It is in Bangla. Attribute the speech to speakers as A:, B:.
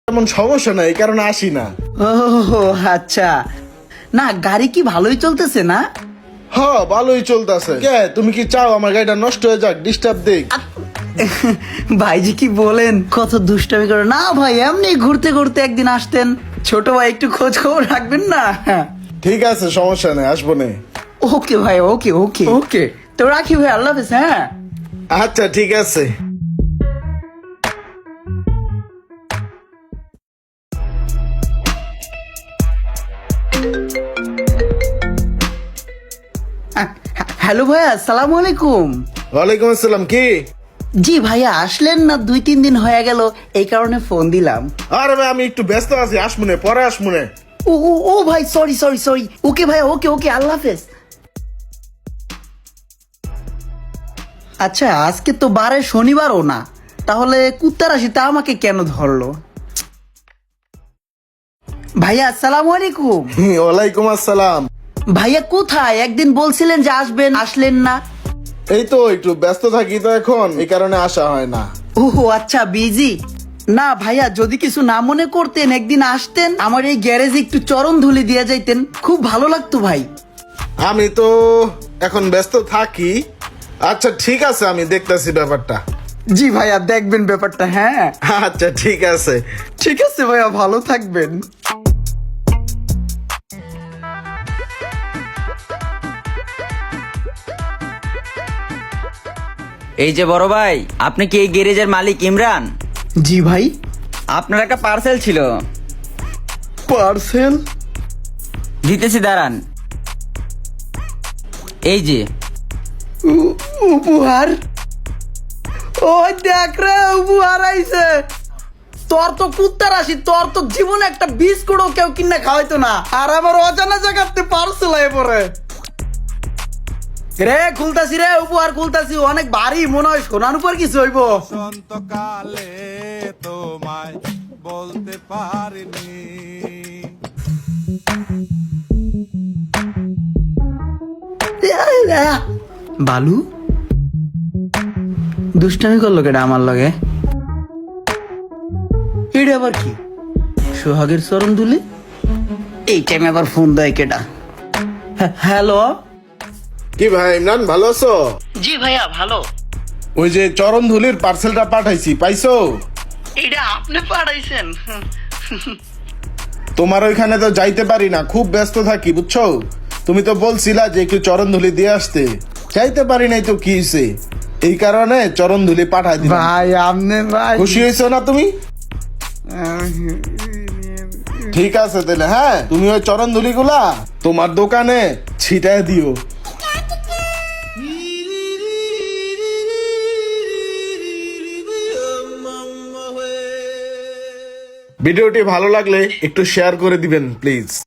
A: তেমন সমস্যা নাই, এই কারণে আসি না।
B: ও আচ্ছা, না গাড়ি কি ভালোই চলতেছে না?
A: হ্যাঁ ভালোই চলতেছে। কে তুমি কি চাও আমার গাড়িটা নষ্ট হয়ে যাক, ডিস্টার্ব দেখ?
B: ভাইজি কি বলেন, কত দুষ্টামি করে না ভাই, এমনি ঘুরতে ঘুরতে একদিন আসতেন। ছোট ভাই একটু খোঁজ খবর রাখবেন না?
A: ঠিক আছে, সমস্যা নেই, আসবো নে।
B: ওকে ভাই, ওকে ওকে ওকে, তো রাখি ভাই, আল্লাহ হাফেজ। হ্যাঁ
A: আচ্ছা ঠিক আছে।
B: হ্যালো ভাইয়া, আসসালামু আলাইকুম।
A: ওয়ালাইকুম আসসালাম। কি?
B: জি ভাইয়া, আসলেন না, 2-3 দিন হয়ে গেল, এই কারণে ফোন দিলাম।
A: আরে ভাই আমি একটু ব্যস্ত আছি, আসমুনে পরে আসমুনে।
B: ও ও ও ভাই, সরি সরি সরি। ওকে ভাইয়া, ওকে ওকে, আল্লাহ হাফেজ। আচ্ছা, আজকে তো বারে শনিবারও না, তাহলে কুত্তার আসিতে আমাকে কেন ধরলো? ভাইয়া আসসালামু আলাইকুম।
A: ওয়ালাইকুম আসসালাম।
B: ভাইয়া কোথায়? একদিন বলছিলেন যে আসবেন, আসলেন না।
A: এই তো একটু ব্যস্ত থাকি তো এখন, এই কারণে আসা হয় না।
B: ও আচ্ছা, বিজি। না ভাইয়া, যদি কিছু না মনে করতেন, একদিন আসতেন, আমার এই গ্যারেজে একটু চরণ ধুলি দিয়ে যাইতেন, খুব ভালো লাগতো ভাই।
A: আমি তো এখন ব্যস্ত থাকি। আচ্ছা ঠিক আছে, আমি দেখতাছি ব্যাপারটা।
B: জি ভাইয়া, দেখবেন ব্যাপারটা। হ্যাঁ
A: আচ্ছা ঠিক আছে।
B: ঠিক আছে ভাইয়া, ভালো থাকবেন।
C: এই যে বড় ভাই, আপনি কি এই গ্যারেজের মালিক ইমরান?
B: জি ভাই।
C: আপনার একটা পার্সেল ছিল,
B: পার্সেল?
C: দিতেছি দাঁড়ান। এই যে
B: উপহার? ওই দেখ রে, উপহার আইছে। তোর তো কুত্তার আসি, তোর তো জীবনে একটা বিস্কুটও কেউ কিনে খাওয়াইতো না, আর আমার অজানা জায়গাতে পার্সেল আয় পড়ে। রে খুলতাছি রে, উপহার খুলতাছি, অনেক ভারী, মনে হয় সোনার উপর কিছু হইব।
D: বসন্তকালে তোমায় বলতে পারিনি।
B: বালু দুষ্টামি করলো কেটা আমার লগে? এটা আবার কি? সোহাগের চরণ দুলি? এই টাইমে আবার ফোন দেয় কেটা? হ্যালো।
A: কি ভাই ইমরান, ভালো আছো?
B: জি ভাইয়া, ভালো।
A: ওই যে চরণ ধুলির পার্সেলটা পাঠাইছি, পাইছো?
B: এটা আপনি পাঠাইছেন?
A: তোমার ওইখানে তো যাইতে পারি না, খুব ব্যস্ত থাকি বুঝছো। তুমি তো বলছিলা যে একটু চরণ ধুলি দিয়ে আসতে, যাইতে পারি নাই তো কি হয়েছে, এই কারণে চরণ ধুলি পাঠাই দিলাম।
B: ভাই আপনি ভাই,
A: খুশি হয়েছো না তুমি? ঠিক আছে তাহলে, হ্যাঁ তুমি ওই চরণ ধুলি গুলা তোমার দোকানে ছিটায় দিও। ভিডিওটি ভালো লাগলে একটু শেয়ার করে দিবেন প্লিজ।